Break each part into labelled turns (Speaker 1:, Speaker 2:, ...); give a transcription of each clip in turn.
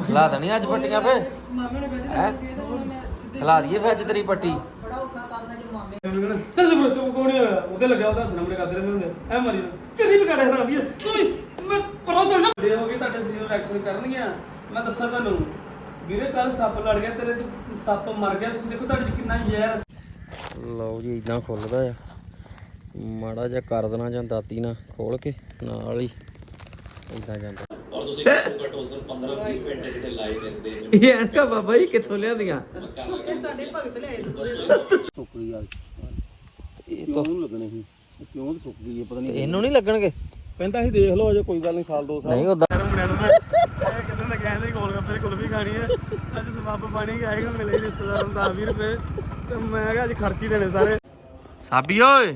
Speaker 1: ਖਿਲਾ ਦੇਣੀ ਅੱਜ ਪੱਟੀਆਂ ਫੇ
Speaker 2: ਮਾਮੇ ਨੇ ਬੈਠੇ
Speaker 1: ਹੈਂ?
Speaker 2: ਤੇ ਹੁਣ ਮੈਂ ਸਿੱਧੇ
Speaker 1: ਖਿਲਾ ਦਈਏ ਫੇ ਅੱਜ ਤੇਰੀ ਪੱਟੀ
Speaker 2: ਬੜਾ ਔਖਾ ਕਰਨਾ ਜੇ ਮਾਮੇ
Speaker 3: ਚੱਲ ਜਬਰ ਚੁੱਪ ਕੋਣੀ ਹੋਇਆ ਉਹਦੇ ਲੱਗਿਆ ਉਹਦਾ ਸਾਹਮਣੇ ਕਰਦੇ ਰਹਿੰਦੇ ਹੁੰਦੇ ਐ ਮਾਰੀ ਤੇਰੀ ਵੀ ਕਾੜੇ ਹਰਾਮੀ ਆ ਤੂੰ ਮੈਂ ਪਰੋਂ ਚੱਲ ਜਾ ਦੇ ਹੋ ਗਈ ਤੁਹਾਡੇ ਸਰੀਰ ਰਿਐਕਸ਼ਨ ਕਰਨਗੀਆਂ ਮੈਂ ਦੱਸਾਂ ਤੁਹਾਨੂੰ ਵੀਰੇ ਕੱਲ ਸੱਪ ਲੜ ਗਿਆ ਤੇਰੇ ਤੇ ਸੱਪ ਮਰ ਗਿਆ ਤੁਸੀਂ ਦੇਖੋ ਤੁਹਾਡੇ ਚ ਕਿੰਨਾ ਜ਼ਹਿਰ
Speaker 1: ਲਓ ਜੀ ਇਦਾਂ ਖੁੱਲਦਾ ਆ ਮਾੜਾ ਜਿਹਾ ਕਰ ਦੇਣਾ ਜਾਂ ਦਾਤੀ ਨਾਲ ਖੋਲ ਕੇ ਨਾਲ ਹੀ ਇਦਾਂ ਜਾਂਦਾ
Speaker 4: और ਤੁਸੀਂ ਘੱਟੋ ਘੱਟ ਉਸ ਦਿਨ 15-20 ਮਿੰਟ ਜਿਹੜੇ ਲਾਈਵ ਰਹਿੰਦੇ ਨੇ
Speaker 1: ਇਹ ਐਨਕਾ ਬਾਬਾ ਜੀ ਕਿੱਥੋਂ ਲਿਆਂਦੀਆਂ
Speaker 2: ਇਹ ਸਾਡੇ ਭਗਤ ਲਿਆਏ ਤੁਸੀਂ
Speaker 5: ਸੁੱਕ ਗਈ ਆ
Speaker 1: ਇਹ ਤਾਂ
Speaker 5: ਕਿਉਂ ਲੱਗਣੇ ਸੀ ਕਿਉਂ ਤੇ ਸੁੱਕ ਗਈ ਹੈ ਪਤਾ ਨਹੀਂ
Speaker 1: ਇਹਨੂੰ ਨਹੀਂ ਲੱਗਣਗੇ
Speaker 5: ਕਹਿੰਦਾ ਸੀ ਦੇਖ ਲਓ ਅਜੇ ਕੋਈ ਗੱਲ ਨਹੀਂ ਸਾਲ 2 ਸਾਲ
Speaker 1: ਨਹੀਂ ਉਦਾਂ
Speaker 3: ਮੁੰਡਿਆਂ ਨੂੰ ਮੈਂ ਇਹ ਕਿਦਾਂ ਦਾ ਕਹਿੰਦੇ ਗੋਲ ਗੱਪੇ ਕੁਲਫੀ ਖਾਣੀ ਹੈ ਅੱਜ ਸਮਾਪ ਪਾਣੀ ਆਏਗਾ ਮਿਲੇ ਰਿਸ਼ਤੇਦਾਰਾਂ ਨੂੰ 10-20 ਰੁਪਏ ਤੇ ਮੈਂ ਕਿਹਾ ਅੱਜ ਖਰਚ ਹੀ ਦੇਣੇ ਸਾਰੇ
Speaker 1: ਸਾਬੀ ਓਏ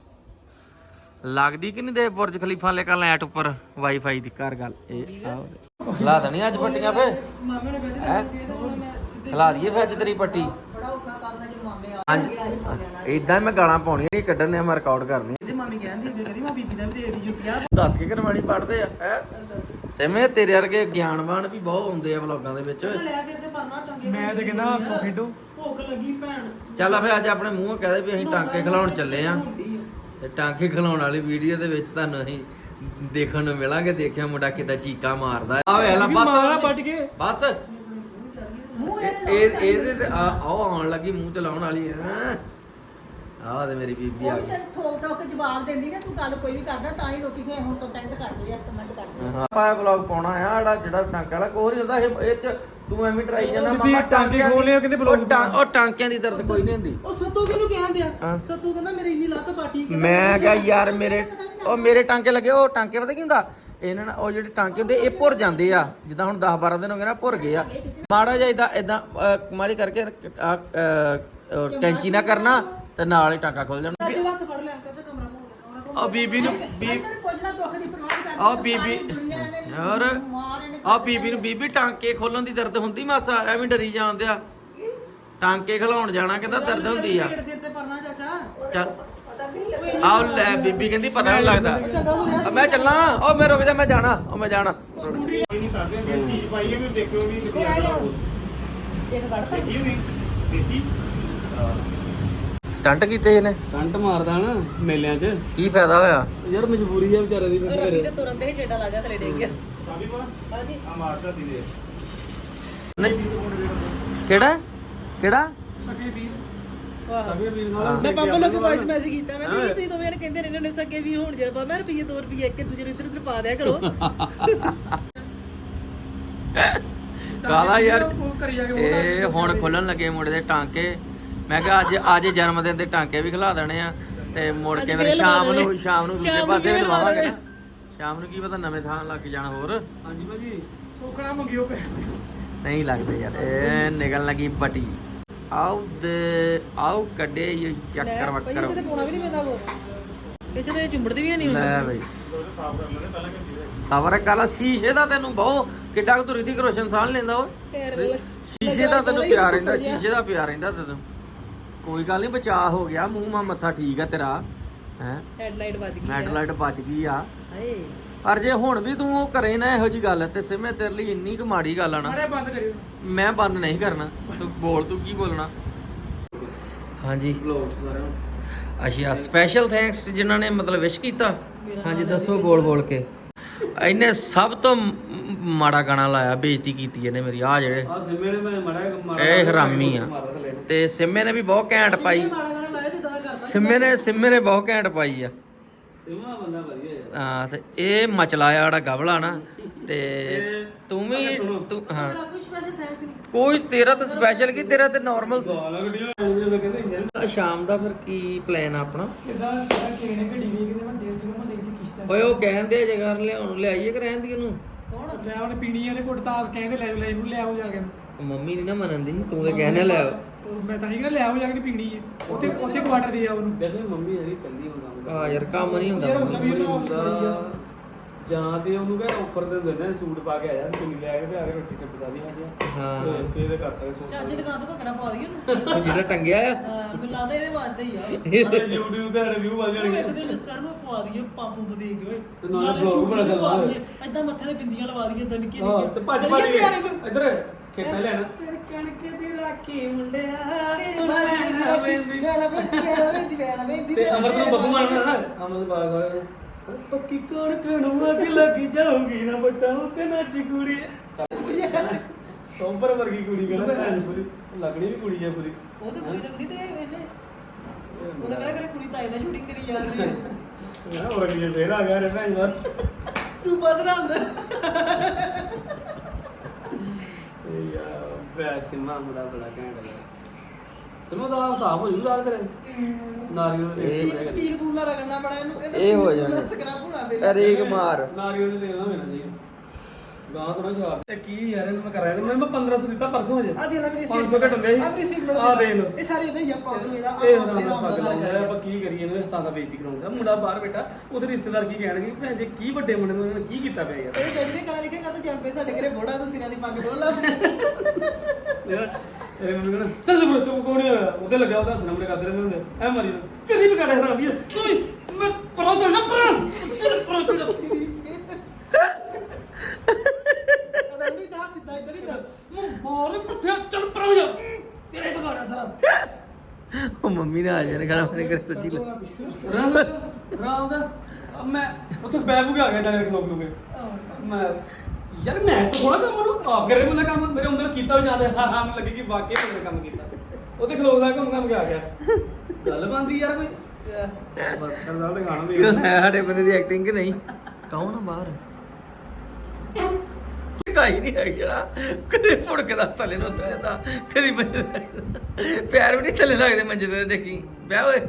Speaker 1: ਲੱਗਦੀ ਕਿ ਨਹੀਂ ਦੇ ਬੁਰਜ ਖਲੀਫਾ ਲੈ ਕੇ ਲੈਟ ਉੱਪਰ ਵਾਈਫਾਈ ਦੀ ਕਰ ਗੱਲ ਇਹ ਖਿਲਾ ਦੇਣੀ ਅੱਜ ਪੱਟੀਆਂ ਫੇ
Speaker 2: ਮਾਮੇ ਨੇ ਬੈਠੇ
Speaker 1: ਹੈਂ?
Speaker 2: ਤੇ ਹੁਣ ਮੈਂ ਸਿੱਧੇ
Speaker 1: ਖਿਲਾ ਦਈਏ ਫੇ ਅੱਜ ਤੇਰੀ ਪੱਟੀ
Speaker 2: ਬੜਾ ਔਖਾ ਕਰਨਾ ਜੇ ਮਾਮੇ ਆ
Speaker 1: ਹਾਂਜੀ ਇਦਾਂ ਮੈਂ ਗਾਲਾਂ ਪਾਉਣੀਆਂ ਨਹੀਂ ਕੱਢਣੀਆਂ ਮੈਂ ਰਿਕਾਰਡ ਕਰਨੀ
Speaker 2: ਇਹਦੇ ਮਾਮੀ ਕਹਿੰਦੀ ਹੁੰਦੀ ਕਦੀ ਮੈਂ ਬੀਬੀ ਦਾ ਵੀ ਦੇ ਦੀ ਜੁੱਤੀਆਂ
Speaker 1: ਦੱਸ ਕੇ ਕਰਵਾਣੀ ਪੜਦੇ ਆ ਹੈ ਸਿਮੇ ਤੇਰੇ ਵਰਗੇ ਗਿਆਨਵਾਨ ਵੀ ਬਹੁਤ ਹੁੰਦੇ ਆ ਵਲੋਗਾਂ ਦੇ ਵਿੱਚ
Speaker 2: ਲੈ ਸਿਰ ਤੇ ਪਰਨਾ ਟੰਗੇ
Speaker 3: ਮੈਂ ਤੇ ਕਹਿੰਦਾ ਸੋ ਖੇਡੋ
Speaker 2: ਭੁੱਖ ਲੱਗੀ ਭੈਣ
Speaker 1: ਚੱਲ ਫੇ ਅੱਜ ਆਪਣੇ ਮੂੰਹੋਂ ਕਹਦੇ ਵੀ ਅਸੀਂ ਟਾਂਕੇ ਖਿਲਾਉਣ ਚੱਲੇ ਆ ਤੇ ਟਾਂਕੇ ਖਿਲਾਉਣ ਵਾਲੀ ਵੀਡੀਓ ਦੇ ਵਿੱਚ ਤੁਹਾਨੂੰ ਅਸੀਂ ਦੇਖਣ ਨੂੰ ਮਿਲਾਂਗੇ ਦੇਖਿਆ ਮੁੰਡਾ ਕਿੱਦਾਂ ਚੀਕਾਂ ਮਾਰਦਾ ਆ ਵੇ ਲੈ
Speaker 3: ਮਾਰਾ
Speaker 1: ਬਸ
Speaker 3: ਪੱਟ ਕੇ
Speaker 1: ਬਸ ਇਹ ਇਹਦੇ ਤੇ ਆਹ ਆਉਣ ਲੱਗੀ ਮੂੰਹ ਤੇ ਲਾਉਣ ਵਾਲੀ ਹੈ ਆਹ ਤੇ ਮੇਰੀ ਬੀਬੀ ਆ
Speaker 6: ਉਹ ਵੀ
Speaker 1: ਗਈ
Speaker 6: ਤੈਨੂੰ ਠੋਕ ਠੋਕ ਕੇ ਜਵਾਬ ਦਿੰਦੀ ਨਾ ਤੂੰ ਗੱਲ ਕੋਈ ਵੀ ਕਰਦਾ ਤਾਂ ਹੀ ਲੋਕੀ ਫੇਰ ਹੁਣ ਕੰਟੈਂਟ ਕਰਦੇ ਆ ਕਮੈਂਟ ਕਰਦੇ ਆ
Speaker 1: ਆਪਾਂ ਵਲੌਗ ਪਾਉਣਾ ਆ ਜਿਹੜਾ ਟਾਂਕਾ ਵਾਲਾ ਕੋਈ ਨਹੀਂ ਹੁੰਦਾ ਇਹ ਚ ਤੂੰ ਐਵੇਂ ਡਰਾਈ ਜਾਂਦਾ
Speaker 3: ਵੀ ਟਾਂਕੇ ਖੋਲੇ ਆ, ਕਹਿੰਦੇ vlog
Speaker 1: ਉਹ ਟਾਂਕਿਆਂ ਦੀ ਦਰਦ ਕੋਈ ਨਹੀਂ ਹੁੰਦੀ
Speaker 2: ਉਹ ਸੱਤੂ ਕਿਹਨੂੰ ਕਹਿੰਦੇ ਆ
Speaker 1: ਹਾਂ।
Speaker 2: ਸੱਤੂ ਕਹਿੰਦਾ ਮੇਰੀ ਇੰਨੀ ਲੱਤ ਪਾਟੀ
Speaker 1: ਮੈਂ ਕਿਹਾ ਯਾਰ ਮੇਰੇ ਟਾਂਕੇ ਲੱਗੇ ਉਹ ਟਾਂਕੇ ਪਤਾ ਕੀ ਹੁੰਦਾ ਇਹਨਾਂ ਨਾਲ ਉਹ ਜਿਹੜੇ ਟਾਂਕੇ ਹੁੰਦੇ ਇਹ ਭੁਰ ਜਾਂਦੇ ਆ ਜਿੱਦਾਂ ਹੁਣ 10-12 ਦਿਨ ਹੋ ਗਏ ਨਾ ਭੁਰ ਗਏ ਆ ਮਾੜਾ ਜਿਹਾ ਇਦਾਂ ਮਾੜੀ ਕਰਕੇ ਕੈਂਚੀ ਨਾ ਕਰਨਾ ਤੇ ਨਾਲ ਹੀ ਟਾਂਕਾ ਖੁੱਲ ਜਾਣਾ
Speaker 2: ਚਾਚੇ ਦਾ ਹੱਥ ਫੜ ਲਿਆ ਚਾਚਾ ਕਮਰਾ ਘੁੰਮ ਗਿਆ
Speaker 1: ਆ ਬੀਬੀ ਨੂੰ
Speaker 6: ਅੰਦਰ ਪੁੱਛ ਲੈ ਦੁੱਖ ਦੀ ਪਰਵਾਹ ਨਹੀਂ
Speaker 1: ਆ
Speaker 6: ਕਰਦੀ
Speaker 1: ਬੀਬੀ
Speaker 6: ਸਾਰੀ ਦੁਨੀਆ ਨੇ
Speaker 1: ਯਾਰ
Speaker 6: ਮਾਰ ਇਹਨੇ
Speaker 1: ਆ ਬੀਬੀ ਨੂੰ ਬੀਬੀ ਟਾਂਕੇ ਖੋਲਣ ਦੀ ਦਰਦ ਹੁੰਦੀ ਮਾਸਾ ਐਵੇਂ ਡਰੀ ਜਾਂਦੇ ਆ ਟਾਂਕੇ ਖਿਲਾਉਣ ਜਾਣਾ ਕਹਿੰਦਾ ਦਰਦ ਹੁੰਦੀ ਆ
Speaker 2: ਪੇਟ ਸਿਰ ਤੇ ਪਰਨਾ ਚਾਚਾ
Speaker 1: ਚੱਲ ਆਹ ਲੈ ਬੀਬੀ ਕਹਿੰਦੀ ਪਤਾ ਨਹੀਂ ਲੱਗਦਾ ਆ ਮੈਂ ਚੱਲਾਂ ਉਹ ਮੈਂ ਰੁਕ ਜਾ ਮੈਂ ਜਾਣਾ ਮੈਂ ਜਾਣਾ
Speaker 5: ਨਹੀਂ ਕਰਦੇ ਕਿ ਚੀਜ਼ ਪਾਈ ਹੈ ਵੀ ਦੇਖਿਓ ਵੀ ਕਿੱਥੇ ਆ
Speaker 6: ਇੱਕ ਗੜ ਤਾਂ
Speaker 5: ਦੇਖੀ ਵੀ ਦੇਖੀ
Speaker 1: ਸਟੰਟ ਕੀਤੇ ਇਹਨੇ
Speaker 3: ਕੰਟ ਮਾਰਦਾ ਨਾ ਮੇਲਿਆਂ 'ਚ
Speaker 1: ਕੀ ਫਾਇਦਾ ਹੋਇਆ
Speaker 3: ਯਾਰ ਮਜਬੂਰੀ ਆ ਵਿਚਾਰੇ ਦੀ
Speaker 2: ਰੱਸੀ ਤੇ ਤੁਰਨ ਦੇ ਟੇਡਾ ਲੱਗਾ ਥਲੇ ਡੇ ਗਿਆ
Speaker 5: ਸਾਬੀ ਮਾ ਆ ਮਾਰਦਾ ਦੀਦੇ
Speaker 1: ਕਿਹੜਾ
Speaker 3: ਸਕੇ ਵੀਰ ਸਕੇ ਵੀਰ
Speaker 2: ਮੈਂ ਪਾਪਾ ਲੋਕ ਵਾਇਸ ਮੈਸੇਜ ਕੀਤਾ ਮੈਂ ਕਿਹਾ ਤੁਸੀਂ ਦੋਵੇਂ ਕਹਿੰਦੇ ਰਹਿੰਦੇ ਨੇ ਸਕੇ ਵੀ ਹੋਣ ਜਰ ਮੈਂ ਰੁਪਈਏ 2 ਰੁਪਈਏ ਇੱਕ ਦੂਜੇ ਨੂੰ ਇੱਧਰ ਉੱਧਰ ਪਾ ਦਿਆ ਕਰੋ
Speaker 1: ਕਾਲਾ ਯਾਰ
Speaker 3: ਉਹ ਕਰੀ ਜਾ ਕੇ
Speaker 1: ਇਹ ਹੁਣ ਖੁੱਲਣ ਲੱਗੇ ਮੁੰਡੇ ਦੇ ਟਾਂਕੇ ਮੈਂ ਕਿਹਾ ਅੱਜ ਜਨਮ ਦਿਨ ਦੇ ਟਾਂਕੇ ਵੀ ਖਿਲਾ ਦੇਣੇ ਆ ਤੇ ਮੁੜ ਕੇ ਫਿਰ ਸ਼ਾਮ ਨੂੰ ਦੂਜੇ ਪਾਸੇ ਵੀ ਲਵਾਵਾਂਗੇ ਨਾ ਸ਼ਾਮ ਨੂੰ ਕੀ ਪਤਾ ਨਵੇਂ ਥਾਂ ਲੱਗ ਜਾਣ ਹੋਰ
Speaker 3: ਹਾਂਜੀ ਭਾਜੀ ਸੋਖਣਾ ਮੰਗਿਓ ਪੈ
Speaker 1: ਨਹੀਂ ਲੱਗਦੇ ਯਾਰ ਇਹ ਨਿਕਲਣ ਲੱਗੀ ਬਟੀ ਆਓ ਕੱਢੇ ਇਹ ਚੱਕਰ ਵੱਕਰ
Speaker 2: ਤੇ ਪਾਉਣਾ ਵੀ ਨਹੀਂ ਪੈਂਦਾ ਕੋ ਇਹ ਚ ਤੇ ਚੁੰਬੜਦੇ ਵੀ ਨਹੀਂ
Speaker 1: ਲੈ ਬਈ ਸਬਰ ਕਰ ਸ਼ੀਸ਼ੇ ਦਾ ਤੈਨੂੰ ਬਹੁ ਕਿੱਡਾ ਕੁ ਤੂੰ ਰਿਤਿਕ ਰੋਸ਼ਨ ਸਾਹ ਲੈਂਦਾ ਓਏ ਸ਼ੀਸ਼ੇ ਦਾ ਤੈਨੂੰ ਪਿਆਰ ਰਹਿੰਦਾ ਸ਼ੀਸ਼ੇ ਦਾ ਪਿਆਰ ਰਹਿੰਦਾ ਤੈਨੂੰ ਕੋਈ ਗੱਲ ਨਹੀਂ ਬਚਾਅ ਹੋ ਗਿਆ ਮੂੰਹ ਮਾ ਮੱਥਾ ਠੀਕ ਆ ਤੇਰਾ ਹੈ
Speaker 2: ਹੈਡਲਾਈਟ ਵੱਜ ਗਈ
Speaker 1: ਹੈਡਲਾਈਟ ਬਚ ਗਈ ਆ
Speaker 2: ਹਾਏ
Speaker 1: ਪਰ ਜੇ ਹੁਣ ਵੀ ਤੂੰ ਉਹ ਕਰੇ ਨਾ ਇਹੋ ਜੀ ਗੱਲ ਤੇ ਸਿਮੇ ਤੇਰੇ ਲਈ ਇੰਨੀ ਕੁ ਮਾੜੀ ਗੱਲ ਆ ਨਾ
Speaker 3: ਅਰੇ ਬੰਦ ਕਰਿਓ
Speaker 1: ਮੈਂ ਬੰਦ ਨਹੀਂ ਕਰਨਾ ਤੂੰ ਬੋਲ ਤੂੰ ਕੀ ਬੋਲਣਾ ਹਾਂਜੀ
Speaker 3: ਬਲੌਗ ਸਾਰਿਆਂ ਨੂੰ
Speaker 1: ਅੱਛਾ ਸਪੈਸ਼ਲ ਥੈਂਕਸ ਜਿਨ੍ਹਾਂ ਨੇ ਮਤਲਬ ਵਿਸ਼ ਕੀਤਾ ਹਾਂਜੀ ਦੱਸੋ ਬੋਲ ਕੇ ਇਹਨੇ ਸਭ ਤੋਂ ਮਾੜਾ ਗਾਣਾ ਲਾਇਆ ਬੇਇੱਜ਼ਤੀ ਕੀਤੀ ਇਹਨੇ ਮੇਰੀ ਆ ਜਿਹੜੇ
Speaker 3: ਆ ਸਿੰਮੇ ਨੇ ਮੈਂ ਮੜਾ
Speaker 1: ਇਹ ਹਰਾਮੀ ਆ ਤੇ ਸਿੰਮੇ ਨੇ ਵੀ ਬਹੁਤ ਘੈਂਟ ਪਾਈ
Speaker 2: ਮਾੜਾ ਗਾਣਾ ਲਾਇਆ ਤੇ ਦਾਦਾ ਕਰਦਾ
Speaker 1: ਸਿੰਮੇ ਨੇ ਬਹੁਤ ਘੈਂਟ ਪਾਈ ਆ
Speaker 3: ਸਿੰਮਾ ਬੰਦਾ ਵਧੀਆ ਹੈ
Speaker 1: ਹਾਂ ਤੇ ਇਹ ਮਚਲਾਇਆ ਜਿਹੜਾ ਗਵਲਾ ਨਾ ਤੇ ਤੂੰ ਵੀ ਤੂੰ ਹਾਂ
Speaker 2: ਕੁਝ ਸਪੈਸ਼ਲ ਥੈਂਕਸ ਨਹੀਂ
Speaker 1: ਕੋਈ ਤੇਰਾ ਤਾਂ ਸਪੈਸ਼ਲ ਕੀ ਤੇਰਾ ਤੇ ਨਾਰਮਲ
Speaker 3: ਗਾਲਾਂ ਗੱਡੀਆਂ ਆਉਂਦੀਆਂ ਕਹਿੰਦੇ ਇੰਜਨ
Speaker 1: ਸ਼ਾਮ ਦਾ ਫਿਰ ਕੀ ਪਲਾਨ ਆ ਆਪਣਾ
Speaker 3: ਕਿਦਾਂ ਕਿਹਨੇ ਗੱਡੀ ਵੀ ਕਿਤੇ ਮੈਂ ਦੇਵ ਚੋਂ ਮੈਂ ਦੇਖੀ ਕਿਸ਼ਤ
Speaker 1: ਓਏ ਉਹ ਕਹਿੰਦੇ ਜਗ੍ਹਾ ਲਿਆਉਣ ਲਿਆਈਏ ਕਿ ਰਹਿਣ ਦੀ ਇਹਨੂੰ
Speaker 3: ਕੌਣ ਲੈ ਉਹਨੇ ਪੀਣੀ ਇਹਨੇ ਘੁੱਟ ਤਾਂ ਕਹਿੰਦੇ ਲੈ ਇਹਨੂੰ ਲੈ ਆਓ ਜਾ ਕੇ
Speaker 1: ਮੰਮੀ ਨਹੀਂ ਨਾ ਮੰਨਦੀ ਤੂੰ ਤੇ ਕਹਿਣਾ ਲੈ ਆਓ
Speaker 3: ਮੈਂ ਤਾਂ ਨਹੀਂ ਕਹਿੰਦਾ ਲੈ ਆਓ ਜਾ ਕੇ ਪੀਣੀ ਹੈ ਉੱਥੇ ਕੁਆਟਰ ਦੇ ਆ ਉਹਨੂੰ ਦੇਖੇ ਮੰਮੀ ਹਰੀ ਕੱਲੀ ਹੁੰਦਾ
Speaker 1: ਆ ਯਾਰ ਕੰਮ ਨਹੀਂ ਹੁੰਦਾ
Speaker 3: ਯਾਰ
Speaker 1: ਮੰਮੀ
Speaker 3: ਉੱਥੇ ਵੀ ਉਹਨੂੰ ਜਾਂ ਤੇ ਉਹਨੂੰ ਕਹੇ ਆਫਰ ਦੇ ਦਿੰਦੇ ਨੇ ਸੂਟ ਪਾ ਕੇ ਆਇਆ ਚੁੰਨੀ ਲੈ ਕੇ ਤੇ ਆ ਕੇ ਰੋਟੀ ਟੱਪਦਾ ਦੀ
Speaker 1: ਹਾਂ।
Speaker 3: ਤੇ ਫੇਰ ਕਰ ਸਕਦੇ ਸੋਚ
Speaker 2: ਚੱਜ ਦੁਕਾਨ ਤੋਂ ਘੱਗਰਾ ਪਾ ਦਈਏ ਨਾ
Speaker 1: ਜਿਹੜਾ ਟੰਗਿਆ ਆ
Speaker 2: ਮੈਨੂੰ ਲੱਗਦਾ ਇਹਦੇ ਵਾਸਤੇ ਹੀ ਆ
Speaker 3: ਸਾਡੇ YouTube ਤੇ ਸਾਡੇ ਵਿਊ ਵੱਧ
Speaker 2: ਉਹ
Speaker 3: ਜਾਣਗੇ
Speaker 2: ਇੱਕ ਦਿਨ ਜਿਸ ਕਰ ਨੂੰ ਪਵਾ ਦਈਏ ਪੰਪ ਦੇ ਕੇ ਓਏ
Speaker 3: ਤੇ ਨਾਲੇ vlog ਬਣਾ ਚੱਲਣਾ ਓਏ।
Speaker 2: ਏਦਾਂ ਮੱਥੇ ਤੇ ਬਿੰਦੀਆਂ ਲਵਾ ਦਈਏ ਏਦਾਂ ਨਿੱਕੀਆਂ
Speaker 3: ਹਾਂ ਤੇ ਭੱਜ ਭੱਜ
Speaker 2: ਕਰੀਏ ਤਿਆਰੀ
Speaker 3: ਕੇ
Speaker 2: ਨੂੰ।
Speaker 3: ਇੱਧਰ ਖੇਤਾਂ ਲੈਣਾ ਤੇਰੇ ਕਣਕ ਦੀ ਰਾਖੀ ਮੁੰਡਿਆ ਤੇ ਅਮਰ ਨੂੰ ਬੱਬੂ ਮਾਰਨਾ ਨਾ ਅਮਰ ਬਾਗ ਸਾਲੇ ਪੱਕੀ ਕਣਕ ਨੂੰ ਅੱਗ ਲੱਗ ਜਾਊਗੀ ਨਾ ਬੱਟਾ ਉੱਤੇ ਨੱਚ ਕੁੜੀ ਸੋਂਪਰ ਵਰਗੀ ਕੁੜੀ ਕਹਿੰਦਾ ਭੈਣ ਪੂਰੀ ਲੱਗਣੀ ਵੀ ਕੁੜੀ ਆ ਪੂਰੀ
Speaker 2: ਉਹ ਤਾਂ ਕੋਈ ਲੱਗਣੀ ਤੇ ਇਹਨੇ ਉਹਨੇ ਕਿਹੜਾ ਕਰੇ ਕੁੜੀ ਤਾਈ ਨਾਲ ਸ਼ੂਟਿੰਗ ਕਰੀ ਜਾਂਦੀ ਹੈ
Speaker 3: ਨਾ ਹੋਰ ਕੀ ਫੇਰ ਆ ਗਿਆ ਰੇ ਭੈਣ ਯਾਰ
Speaker 2: ਸੂਪਰ ਸਰਹੰਦ
Speaker 3: ਯਾਰ ਵੈਸੇ ਮਾਮਲਾ ਬੜਾ ਘੈਂਟ ਹੈ ਸਮਝ ਦਾ ਸਾਫ ਹੋ ਜੂਗਾ ਤੇਰੇ ਨਾਰੀਅਲ ਦੇ
Speaker 2: ਸਟੀਲ ਬੂਲਾ ਰਗੜਨਾ ਬੜਾ ਇਹਨੂੰ
Speaker 1: ਇਹ ਹੋ ਜਾਣਾ।
Speaker 2: ਸਕ੍ਰਬ ਹੋਣਾ ਫੇਰ
Speaker 1: ਰੇਗ ਮਾਰ
Speaker 3: ਨਾਰੀਅਲ ਦੇ ਤੇਲ ਨਾ ਹੋਣਾ ਚਾਹੀਦਾ ਗਾਂ ਤੋਂ ਨਾ ਸ਼ਰਾਬ ਇਹ ਕੀ ਯਾਰ ਇਹਨੂੰ ਮੈਂ ਕਰਾਇਆ ਮੈਂ 1500 ਦਿੱਤਾ ਪਰਸੋਂ ਹਜੇ
Speaker 2: ਆ ਦੇ ਲੈ ਮੇਰੀ
Speaker 3: 500 ਘਟ ਹੁੰਦੇ ਸੀ
Speaker 2: ਆ ਮੇਰੀ ਸਟੀਲ
Speaker 3: ਆ ਦੇ ਲੋ
Speaker 2: ਇਹ ਸਾਰੇ ਇਹਦਾ ਹੀ ਆ 500 ਇਹਦਾ
Speaker 3: ਇਹ
Speaker 2: ਆਪਾਂ
Speaker 3: ਹੁਣ
Speaker 2: ਆਪਣਾ
Speaker 3: ਪੱਗ
Speaker 2: ਰਾਮ
Speaker 3: ਲਾਉਂਦਾ
Speaker 2: ਦਾ
Speaker 3: ਆਪਾਂ ਕੀ ਕਰੀਏ ਇਹਨੂੰ ਹੱਥਾਂ ਦਾ ਬੇਇੱਜ਼ਤੀ ਕਰਾਉਂਦਾ ਮੁੰਡਾ ਬਾਹਰ ਬੈਠਾ ਉਹਦੇ ਰਿਸ਼ਤੇਦਾਰ ਕੀ ਕਹਿਣਗੇ ਭੈਣ ਜੇ ਕੀ ਵੱਡੇ ਮੁੰਡੇ ਨੂੰ ਇਹਨਾਂ ਨੇ ਕੀ ਕੀਤਾ ਪਿਆ ਯਾਰ
Speaker 2: ਇਹ ਜੱਜ ਨੇ ਕਲਾ ਲਿਖਿਆ ਕਾ ਜੰਪੇ ਸਾਡੇ ਘਰੇ ਬੋੜਾ ਤੋਂ ਸਿਰਾਂ ਦੀ ਪੱਗ ਡੋਲ ਲਾ
Speaker 3: ਇਹ ਮੈਨੂੰ ਕਹਿੰਦਾ ਚੱਲ ਚੁੱਪ ਚੁੱਪ ਕੋਣ ਨਹੀਂ ਹੋਇਆ ਉਹਦੇ ਲੱਗਿਆ ਉਹਦਾ ਹੱਸਣਾ ਕਰਦੇ ਰਹਿੰਦੇ ਹੁੰਦੇ ਐ ਮਾਰੀ ਤੇਰੀ ਵੀ ਕਾੜੇ ਹਰਾਮ ਵੀ ਤੂੰ ਮੈਂ ਪਰੋ ਚੱਲ ਨਾ ਚੱਲ ਪਰੋ ਚੱਲ
Speaker 2: ਉਹਦਾ ਨਹੀਂ ਤਾਂ ਦਿੱਤਾ ਇਦਾਂ ਨਹੀਂ ਤਾਂ
Speaker 3: ਮਾਰ ਕੁੱਠਿਆ ਚੱਲ ਪਰੋ ਜਾ ਤੇਰੇ ਬਗਾੜਾ ਸਾਰਾ
Speaker 1: ਉਹ ਮੰਮੀ ਨੇ ਆ ਜਾਣਾ ਕਹਿੰਦਾ ਮੇਰੇ ਘਰ ਸੱਚੀ
Speaker 3: ਰਾਮ ਦਾ ਮੈਂ ਉੱਥੇ ਬੈਗ ਵੀ ਆ ਗਿਆ ਤਾਂ ਖਲੋਕ ਲੂਗੇ ਮੈਂ ਯਾਰ ਮੈਂ ਤਾਂ ਥੋੜਾ ਕੰਮ ਨੂੰ ਆਪ ਕਰੇ ਬੰਦਾ ਕੰਮ ਮੇਰੇ ਅੰਦਰ ਕੀਤਾ ਵੀ ਜਾਂਦੇ ਹਾਂ ਮੈਨੂੰ ਲੱਗੇ ਕਿ ਵਾਕਈ ਮੈਂ ਕੰਮ ਕੀਤਾ ਉਹ ਤੇ ਖਲੋਕ ਦਾ ਕੰਮ ਆ ਗਿਆ ਗੱਲ ਬੰਦੀ ਯਾਰ ਕੋਈ ਬਸ ਕਰਦਾ ਤੇ ਗਾਣਾ ਵੀ
Speaker 1: ਸਾਡੇ ਬੰਦੇ ਦੀ ਐਕਟਿੰਗ ਕਿ ਨਹੀਂ ਕੌਣ ਆ ਬਾਹਰ ਕਾਈ ਨਹੀਂ ਹੈ ਜਿਹੜਾ ਕਦੇ ਫੁੜਕਦਾ ਥੱਲੇ ਨੂੰ ਉਤਰਦਾ ਕਦੀ ਮੰਜੇ ਤੇ ਪੈਰ ਵੀ ਨਹੀਂ ਥੱਲੇ ਲੱਗਦੇ ਮੰਜੇ ਤੇ ਦੇਖੀ ਵਿਆਹ ਓਏ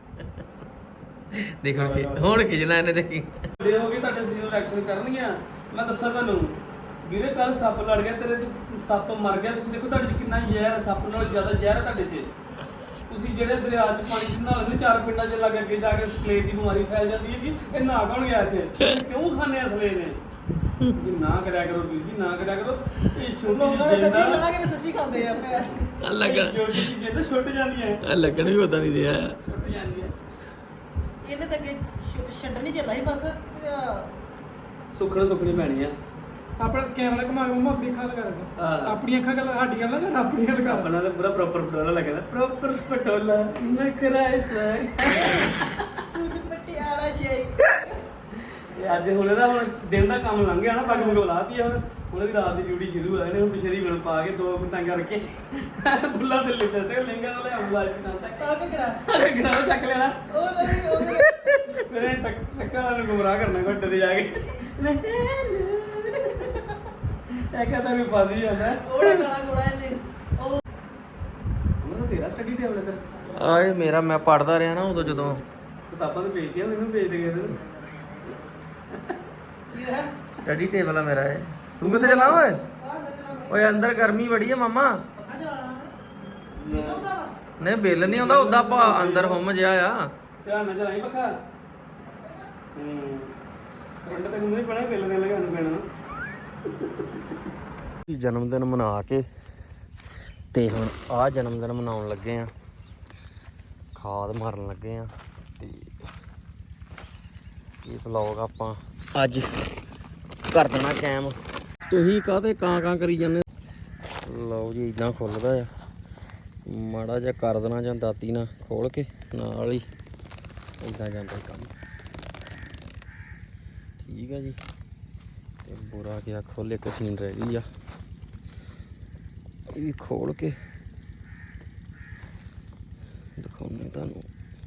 Speaker 1: ਦੇਖੋ ਕਿ ਹੁਣ ਖਿਜਣਾ ਇਹਨੇ ਦੇਖੀ
Speaker 3: ਵੱਡੇ ਹੋ ਕੇ ਤੁਹਾਡੇ ਸਰੀਰ ਨੂੰ ਰਿਐਕਸ਼ਨ ਕਰਨਗੀਆਂ ਮੈਂ ਦੱਸਾਂ ਤੁਹਾਨੂੰ ਵੀਰੇ ਕੱਲ ਸੱਪ ਲੜ ਗਿਆ ਤੇਰੇ ਤੇ ਸੱਪ ਮਰ ਗਿਆ ਤੁਸੀਂ ਦੇਖੋ ਤੁਹਾਡੇ 'ਚ ਕਿੰਨਾ ਜ਼ਹਿਰ ਹੈ ਸੱਪ ਨਾਲੋਂ ਜ਼ਿਆਦਾ ਜ਼ਹਿਰ ਹੈ ਤੁਹਾਡੇ 'ਚ ਤੁਸੀਂ ਜਿਹੜੇ ਦਰਿਆ 'ਚ ਪਾਣੀ 'ਚ ਨਹਾਉਂਦੇ ਚਾਰ ਪਿੰਡਾਂ 'ਚ ਲੱਗ ਅੱਗੇ ਜਾ ਕੇ ਪਲੇਟ ਦੀ ਬਿਮਾਰੀ ਫੈਲ ਜਾਂਦੀ ਹੈ ਜੀ ਇਹ ਨਹਾ ਕੌਣ ਗਿਆ ਇੱਥੇ ਕਿਉਂ ਖਾਣੇ ਅਸਲੇ ਨੇ ਤੁਸੀਂ ਨਾ ਕਰਿਆ ਕਰੋ ਵੀਰ ਜੀ ਨਾ ਕਰਿਆ ਕਰੋ ਇਹ ਛੋਟੀ
Speaker 2: ਲੋਕਾਂ ਨੇ
Speaker 3: ਜਿਹੀ
Speaker 2: ਸੱਚੀ
Speaker 3: ਜਿੰਦ
Speaker 2: ਲੜਾ ਕੇ ਸੱਚੀ ਖਾਂਦੇ ਆ ਫਿਰ
Speaker 1: ਲੱਗਣ
Speaker 3: ਛੋਟੀ ਜਿਹੀ ਜਿੰਦ ਛੁੱਟ ਜਾਂਦੀ ਹੈ
Speaker 1: ਲੱਗਣ ਵੀ ਉਦਾਂ ਦੀ ਦਿਆ
Speaker 3: ਛੁੱਟ ਜਾਂਦੀ ਹੈ
Speaker 2: ਇਹਨੇ ਤਾਂ ਅੱਗੇ ਛੱਡਣੀ ਚੱਲਾ ਸੀ ਬਸ
Speaker 3: ਸੁੱਖਣੀ ਪੈਣੀ ਆ
Speaker 5: ਆਪਣਾ ਕੈਮਰਾ ਘੁਮਾ ਕੇ ਮੰਮਾ ਆਪਣੀ ਅੱਖਾਂ ਲਗਾ ਰੱਖੋ
Speaker 3: ਹਾਂ।
Speaker 5: ਆਪਣੀ ਅੱਖਾਂ ਗੱਲ ਸਾਡੀ ਗੱਲ ਨਾ ਆਪਣੀ ਗੱਲ ਕਰ
Speaker 3: ਆਪਣਾ ਤਾਂ ਪੂਰਾ ਪ੍ਰੋਪਰ ਪਟੋਲਾ ਲੱਗਦਾ ਪ੍ਰੋਪਰ ਪਟੋਲਾ ਨਖਰਾ ਸਾਈ
Speaker 2: ਸੂਟ ਪਟਿਆਲਾ ਸ਼ਾਈ
Speaker 3: ਇਹ ਅੱਜ ਹੁਣ ਇਹਦਾ ਹੁਣ ਦਿਨ ਦਾ ਕੰਮ ਲੰਘ ਗਿਆ ਨਾ ਪੱਗ ਮੁਗ ਲਾਤੀ ਹੁਣ ਹੁਣ ਇਹਦੀ ਰਾਤ ਦੀ ਡਿਊਟੀ ਸ਼ੁਰੂ ਹੋਇਆ ਨੇ ਹੁਣ ਪਿਛੇਰੀ ਬਣ ਪਾ ਕੇ ਦੋ ਪਤੰਗਾਂ ਰੱਖੇ ਫੁੱਲਾਂ ਦੇ ਲਿਪਸਟਿਕ ਲਿੰਗਾ ਤੋਂ ਲੈ ਆਉਂਦਾ ਅੱਜ ਤਾਂ ਤੱਕ
Speaker 2: ਆ ਕੇ ਕਰਾ
Speaker 3: ਗਰਾਉ ਚੱਕ ਲੈਣਾ
Speaker 2: ਉਹ ਨਹੀਂ ਉਹ ਨਹੀਂ।
Speaker 3: ਮੇਰੇ ਟੱਕਰ ਵਾਲਿਆਂ ਨੂੰ ਗੁੰਮਰਾਹ ਕਰਨਾ ਘੱਟੇ ਤੇ ਜਾ ਕੇ ਇਹ ਕਹਿੰਦਾ ਵੀ ਫਸ ਜਾਂਦਾ
Speaker 2: ਉਹੜਾ ਗਾਣਾ ਗੋੜਾ ਇਹਨੇ ਉਹ
Speaker 3: ਉਹਨਾਂ ਦਾ ਤੇਰਾ ਸਟੱਡੀ ਟੇਬਲ ਇੱਧਰ
Speaker 1: ਆਏ ਮੇਰਾ ਮੈਂ ਪੜਦਾ ਰਿਹਾ ਨਾ ਉਦੋਂ ਜਦੋਂ
Speaker 3: ਕਿਤਾਬਾਂ ਤੇ ਭੇਜਦੀਆਂ ਮੈਨੂੰ ਭੇਜ ਦੇ ਗਏ ਤੇ
Speaker 2: ਕੀ ਹੈ
Speaker 1: ਸਟੱਡੀ ਟੇਬਲ ਆ ਮੇਰਾ ਇਹ ਤੂੰ ਕਿੱਥੇ ਚਲਾ ਓਏ ਓਏ ਅੰਦਰ ਗਰਮੀ ਬੜੀ ਆ ਮਾਮਾ
Speaker 2: ਪੱਖਾ ਚਲਾਣਾ ਮੈਨੂੰ ਹੁੰਦਾ ਵਾ
Speaker 1: ਨਹੀਂ ਬਿੱਲ ਨਹੀਂ ਆਉਂਦਾ ਉਦਾਂ ਭਾ ਅੰਦਰ ਹੁਮ ਜਿਆ ਆ
Speaker 3: ਧਿਆਨ ਨਾਲ ਚਲਾਈ ਪੱਖਾ ਕਰੰਟ ਤੈਨੂੰ ਨਹੀਂ ਪੜਾ ਬਿੱਲ ਦੇਣ ਲੱਗਾ ਨੂੰ ਪੈਣਾ
Speaker 1: ਜਨਮ ਦਿਨ ਮਨਾ ਕੇ ਤੇ ਹੁਣ ਆ ਜਨਮ ਦਿਨ ਮਨਾਉਣ ਲੱਗੇ ਆ ਖਾਦ ਮਾਰਨ ਲੱਗੇ ਆ ਤੇ ਇਹ ਵਲੌਗ ਆਪਾਂ ਅੱਜ ਕਰ ਦੇਣਾ ਕੈਮ ਤੁਸੀਂ ਕਾਹਤੇ ਕਾਂ ਕਰੀ ਜਾਂਦੇ ਲਓ ਜੀ ਇਦਾਂ ਖੁੱਲਦਾ ਆ ਮਾੜਾ ਜਿਹਾ ਕਰ ਦੇਣਾ ਜਾਂ ਦਾਤੀ ਨਾਲ ਖੋਲ ਕੇ ਨਾਲ ਹੀ ਇਦਾਂ ਜਾਂਦਾ ਕੰਮ ਠੀਕ ਆ ਜੀ ਤੇ ਬੁਰਾ ਗਿਆ ਖੋਲੇ ਇੱਕ ਸੀਨ ਰਹਿ ਗਈ ਆ ਇਹ ਵੀ ਖੋਲ ਕੇ ਦਿਖਾਉਂਦੇ ਤੁਹਾਨੂੰ